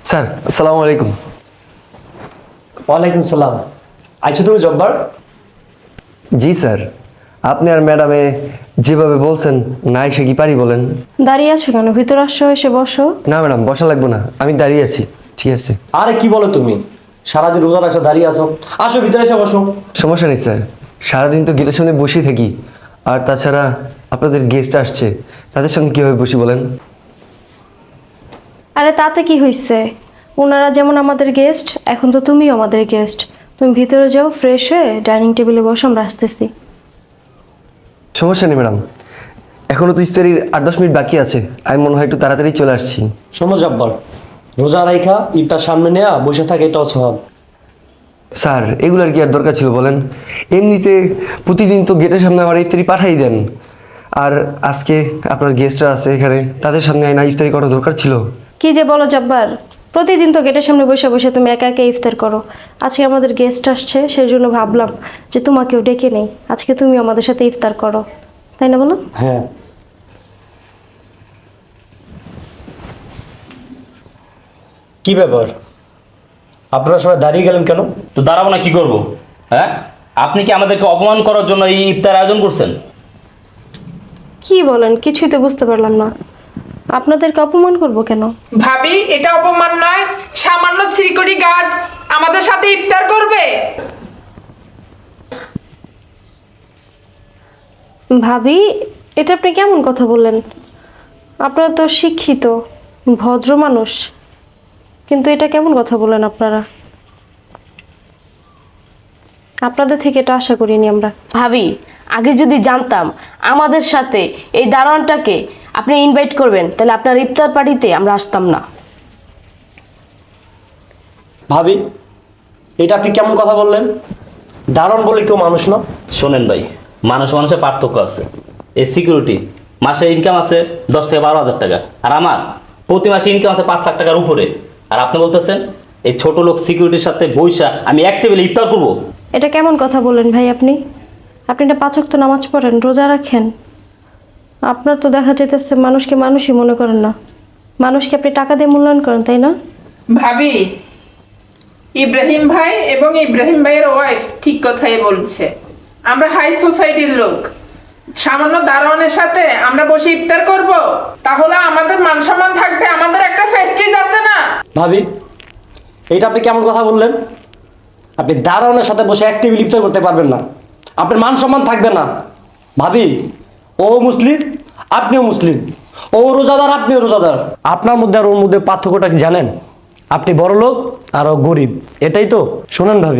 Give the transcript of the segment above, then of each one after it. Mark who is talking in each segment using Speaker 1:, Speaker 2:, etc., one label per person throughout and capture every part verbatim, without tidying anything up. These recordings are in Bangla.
Speaker 1: স্যার আসসালামু আলাইকুম।
Speaker 2: ওয়ালাইকুম সালাম। আচ্ছা তুমি জব্বার?
Speaker 1: জি স্যার, আপনি আর ম্যাডামে যেভাবে বলছেন না এসে কি পারি বলেন?
Speaker 3: দাঁড়িয়ে আছো কেন? ভিতর আসো, এসে বসো।
Speaker 1: না ম্যাডাম, বসা লাগবে না, আমি দাঁড়িয়ে আছি। ঠিক আছে।
Speaker 2: আরে কি বলো তুমি, সারাদিন রোজা রাখছো, দাঁড়িয়ে আছো, আসো ভিতরে এসে বসো।
Speaker 1: সমস্যা নেই স্যার, সারাদিন তো গেটের সামনে বসেই থাকি। আর তাছাড়া আপনাদের গেস্ট আসছে, তাদের সঙ্গে কীভাবে বসি বলেন?
Speaker 3: আরে তাতে কি হয়েছে? ওনারা যেমন আমাদের গেস্ট, এখন তো তুমিও আমাদের গেস্ট। তুমি ভিতরে যাও, ফ্রেশ হয়ে ডাইনিং টেবিলে বসো, আমরা আসতেছি।
Speaker 1: সমস্যা নেই ম্যাডাম, এখনও তো ইফতারির আট দশ মিনিট বাকি আছে, আমি মনে হয় একটু তাড়াতাড়ি চলে আসছি।
Speaker 2: শোনো জব্বার, রোজা রাইখা ইফতার সামনে নেয়া বসে থাকে, এটাও সওয়াব।
Speaker 1: স্যার এগুলোর কি আর দরকার ছিল বলেন? এমনিতে প্রতিদিন তো গেটের সামনে আমার ইফতারি পাঠাই দেন, আর আজকে আপনার গেস্টরা আছে এখানে, তাদের সামনে না ইফতারি করা দরকার ছিল?
Speaker 3: কি যে বলো জব্বার, প্রতিদিন তো গেটের সামনে বসে বসে তুমি একা একা ইফতার করো। আজকে আমাদের গেস্ট আসছে, সেই জন্য ভাবলাম যে তোমাকেও ডেকে নেই, আজকে তুমি আমাদের সাথে ইফতার করো, তাই না বলো?
Speaker 2: হ্যাঁ। কি ব্যাপার, আপনারা সবাই দাঁড়িয়ে গেলেন কেন?
Speaker 4: তো দাঁড়াবো না কি করব? হ্যাঁ, আপনি কি আমাদেরকে অপমান করার জন্য এই ইফতার আয়োজন করছেন?
Speaker 3: কি বলেন, কিছুই তো বুঝতে পারলাম না। আপনাদেরকে অপমান করব কেন?
Speaker 5: ভাবি, এটা অপমান নয়? সামান্য সিকিউরিটি গার্ড আমাদের সাথে ইফতার করবে?
Speaker 3: ভাবি, এটা আপনি কেমন কথা বললেন? আপনারা তো শিক্ষিত ভদ্র মানুষ, কিন্তু এটা কেমন কথা বলেন আপনারা? আপনাদের থেকে এটা আশা করিনি আমরা।
Speaker 6: ভাবি, আগে যদি জানতাম আমাদের সাথে এই দারোয়ানটাকে আপনি ইনভাইট করবেন, তাহলে আপনার ইফতার পার্টিতে আমরা আসতাম না।
Speaker 2: ভাবি, এটা আপনি কেমন কথা বললেন? দারুণ বলে কেউ মানুষ না?
Speaker 4: শোনেন ভাই, মানুষ মানুষের পার্থক্য আছে। এই সিকিউরিটি মাসে ইনকাম আছে দশ থেকে বারো হাজার টাকা, আর আমার প্রতি মাসে ইনকাম আছে পাঁচ লাখ টাকার উপরে। আর আপনি বলতেছেন এই ছোট লোক সিকিউরিটির সাথে বৈশা আমি এক টেবিলে ইফতার করবো?
Speaker 3: এটা কেমন কথা বলেন ভাই আপনি? আপনি এটা পাঁচ ওয়াক্ত নামাজ পড়েন, রোজা রাখেন, আপনার তো দেখা যেতেছে মানুষকে মানুষই মনে করেন না, মানুষকে আপনি টাকা দিয়ে মূল্যায়ন করেন, তাই না?
Speaker 5: ভাবি, ইব্রাহিম ভাই এবং ইব্রাহিম ভাইয়ের ওয়াইফ ঠিক কথাই বলছে। আমরা হাই সোসাইটির লোক, সামান্য দারোয়ানের সাথে আমরা বসে ইফতার করব? তাহলে আমাদের মান সম্মান থাকবে, আমাদের একটা ফেস্টিজ আছে না?
Speaker 2: ভাবি, এইটা আপনি কেমন কথা বললেন? আপনি দারোয়ানের সাথে বসে এক টেবিল ইফতার করতে পারবেন না, আপনার মান সম্মান থাকবে না। ভাবি, ও মুসলিম, আপনিও মুসলিম, ও রোজাদার, আপনিও রোজাদার, আপনার মধ্যে আর ওর মধ্যে পার্থক্যটা কি জানেন? আপনি বড় লোক আর ও গরিব, এটাই তো। শোনেন ভাবি,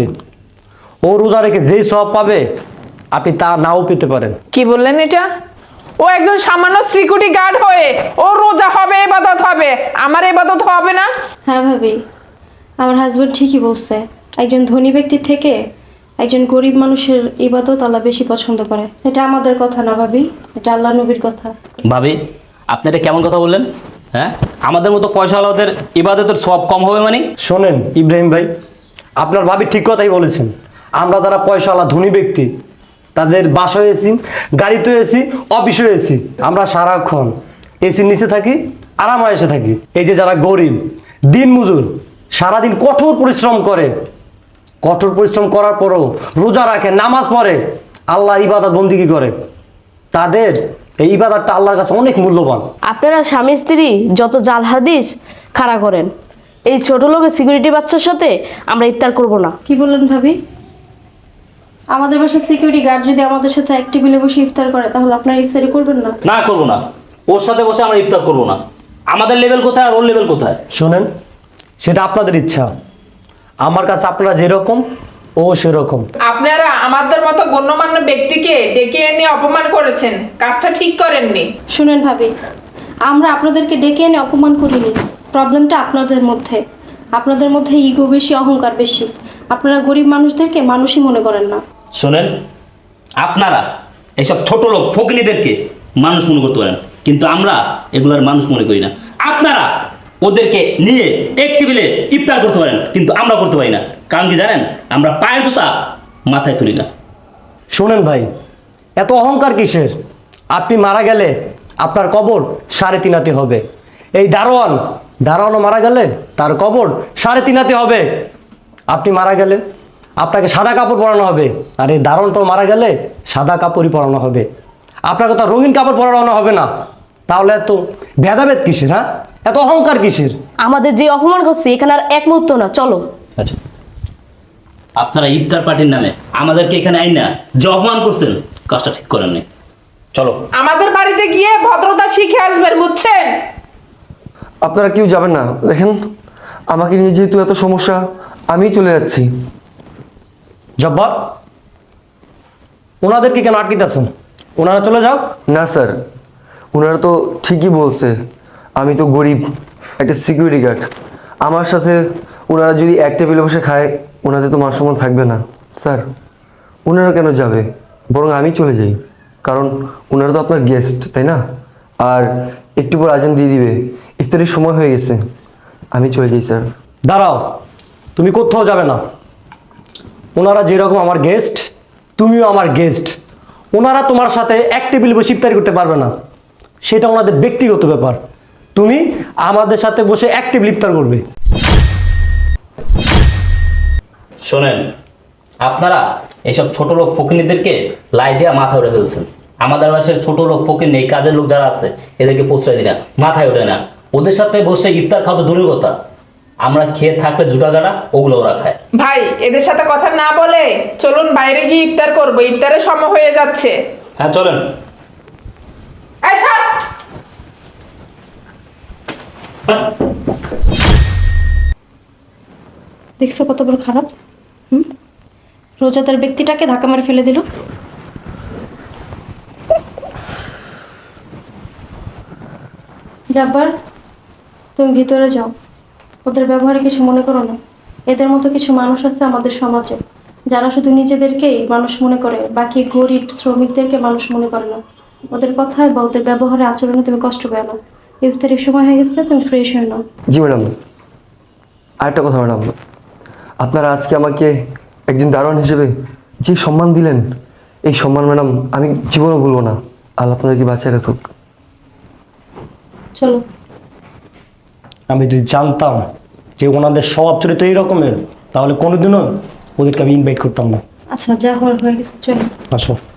Speaker 2: ও রোজা রেখে যেই সব পাবে আপনি তা নাও পেতে পারেন।
Speaker 5: কি বললেন এটা? ও একজন সামান্য সিকিউরিটি গার্ড হয়ে ও রোজা হবে, ইবাদত হবে, আমার ইবাদত হবে না?
Speaker 3: হ্যাঁ ভাবি, আমার হাজব্যান্ড ঠিকই বলছে, একজন ধনী ব্যক্তির থেকে একজন গরিব মানুষের ইবাদত আল্লাহ বেশি পছন্দ করে। এটা আমাদের কথা না ভাবি, এটা আল্লাহ নবীর কথা।
Speaker 4: ভাবি, আপনি এটা কেমন কথা বললেন? হ্যাঁ, আমাদের মতো পয়সাওয়ালাদের ইবাদতের সব কম হবে মানে?
Speaker 2: শোনেন ইব্রাহিম ভাই, আপনার ভাবি ঠিক কথাই বলেছেন। আমরা যারা পয়সাওয়ালা ধনী ব্যক্তি, তাদের বাসায় এসি, গাড়িতে এসি, অফিসে এসি, আমরা সারাক্ষণ এসির নিচে থাকি, আরামে এসে থাকি। এই যে যারা গরিব দিন মজুর, সারাদিন কঠোর পরিশ্রম করে, কঠোর পরিশ্রম করার পরেও রোজা রাখে, নামাজ পড়ে, আল্লাহ ইবাদত বন্দিগি করে, তাদের এই ইবাদতটা আল্লাহর কাছে অনেক মূল্যবান।
Speaker 6: আপনারা স্বামী স্ত্রী যত জাল হাদিস খাড়া করেন, এই ছোট লোকের সিকিউরিটি বাচ্চার সাথে আমরা ইফতার করব না।
Speaker 3: কি বললেন ভাবি? আমাদের বাসার সিকিউরিটি গার্ড যদি আমাদের সাথে এক টেবিলে বসে ইফতার করে, তাহলে আপনারা ইফতারি করবেন না?
Speaker 4: না, করবো না। ওর সাথে বসে আমরা ইফতার করবো না। আমাদের লেভেল কোথায় আর ওর লেভেল কোথায়?
Speaker 2: শোনেন, সেটা আপনাদের ইচ্ছা, আমার কাছে আপনারা যেরকম ও সেরকম।
Speaker 5: আপনারা আমাদের মতো গণ্যমান্য ব্যক্তিকে ডেকে এনে অপমান করেছেন, কাজটা ঠিক করেননি।
Speaker 3: শুনেন ভাবি, আমরা আপনাদেরকে ডেকে এনে অপমান করিনি, প্রবলেমটা আপনাদের মধ্যে। আপনাদের মধ্যে ইগো বেশি, অহংকার বেশি, আপনারা গরিব মানুষদেরকে মানুষই মনে করেন না।
Speaker 4: শোনেন, আপনারা এইসব ছোট লোক ফকিনীদেরকে মানুষ মনে করতে পারেন, কিন্তু আমরা এগুলার মানুষ মনে করি না। আপনারা ওদেরকে নিয়ে এক টেবিলে ইফতার করতে পারেন, কিন্তু আমরা করতে পারি না। কারণ কি জানেন? আমরা পায়ের জুতা মাথায় তুলি না।
Speaker 2: শোনেন ভাই, এত অহংকার কিসের? আপনি মারা গেলে আপনার কবর সাড়ে তিন হাতে হবে। এই দারোয়ান দাঁড়ানো মারা গেলে তার কবর সাড়ে তিন হাতে হবে। আপনি মারা গেলে আপনাকে সাদা কাপড় পরানো হবে, আর এই দারোয়ানটাও মারা গেলে সাদা কাপড়ই পরানো হবে। আপনাকে তো রঙিন কাপড় পরানো হবে না। তাহলে এত ভেদাভেদ কিসের? হ্যাঁ, এত অহংকার কিসের?
Speaker 6: আমাদের যে অপমান করছে এখানে আর এক মুহূর্ত না, চলো।
Speaker 4: আচ্ছা, আপনারা ইফতার পার্টির নামে আমাদেরকে এখানে আইন না যে অপমান করছেন, কাজটা ঠিক করেন নাই। চলো।
Speaker 5: আমাদের বাড়িতে গিয়ে ভদ্রতা শিখে আসবেন, বুঝছেন?
Speaker 1: আপনারা কেউ যাবেন না। দেখেন, আমাকে নিয়ে যেহেতু এত সমস্যা, আমি চলে যাচ্ছি।
Speaker 2: জব্বার, ওনাদেরকে কেন আটকিতেছেন? ওনারা চলে যাও।
Speaker 1: না স্যার, ওনারা তো ঠিকই বলছে, আমি তো গরিব একটা সিকিউরিটি গার্ড। আমার সাথে ওনারা যদি এক টেবিলে বসে খায়, ওনাদের তো মান সম্মান থাকবে না। স্যার, ওনারা কেন যাবে? বরং আমি চলে যাই, কারণ ওনারা তো আপনার গেস্ট, তাই না? আর একটু পর আজান দিয়ে দিবে, ইফতারের সময় হয়ে গেছে। আমি চলে যাই স্যার।
Speaker 2: দাঁড়াও, তুমি কোথাও যাবে না। ওনারা যেরকম আমার গেস্ট, তুমিও আমার গেস্ট। ওনারা তোমার সাথে এক টেবিল বসে ইফতারি করতে পারবে না, সেটা ওনাদের ব্যক্তিগত ব্যাপার। তুমি আমাদের সাথে বসে এক টেবিল ইফতার করবে।
Speaker 4: শোনেন, আপনারা এইসব ছোট লোক ফকিনীদেরকে লাই দিয়া মাথা উঠে ফেলছেন। আমাদের বাসার ছোট লোক ফকির নেই, কাজের লোক যারা আছে এদেরকে প্রশ্রয় দিই না, মাথায় ওঠে না। ওদের সাথে বসে ইফতার খাওয়া তো দূরের কথা, আমরা খেয়ে থাকলে জুটাগাড়া ওগুলো ওরা খায়।
Speaker 5: ভাই, এদের সাথে কথা না বলে চলুন বাইরে গিয়ে ইফতার করবো, ইফতারের সময় হয়ে যাচ্ছে।
Speaker 4: হ্যাঁ চলেন।
Speaker 5: এই স্যার,
Speaker 3: দেখছো কত বড় খারাপ? হুম, রোজাদার ব্যক্তিটাকে ধাক্কা মারে ফেলে দিল। জাব্বার, তুমি ভিতরে যাও। ওদের ব্যবহারে কিছু মনে করো না। এদের মতো কিছু মানুষ আছে আমাদের সমাজে, যারা শুধু নিজেদেরকেই মানুষ মনে করে, বাকি গরিব শ্রমিকদেরকে মানুষ মনে করে না। ওদের কথায় বা ওদের ব্যবহারে আচরণে তুমি কষ্ট পেও না। ইফতারের সময় হয়ে গেছে, তুমি ফ্রেশ হয়ে নাও।
Speaker 1: জি ম্যাডাম। আরেকটা কথা ম্যাডাম, আপনারা আজকে আমাকে একজন দারোয়ান হিসেবে যে সম্মান দিলেন, এই সম্মান ম্যাডাম আমি জীবনও ভুলবো না। আল্লাহ আপনাদেরকে বাঁচিয়ে রাখুক।
Speaker 3: চলো।
Speaker 2: আমি যদি জানতাম যে ওনাদের স্বভাব চরিত্র এই রকমের, তাহলে কোনোদিনও ওদেরকে আমি ইনভাইট করতাম না।
Speaker 3: আচ্ছা, যা হওয়ার হয়ে গেছে, চলো।
Speaker 2: আসো।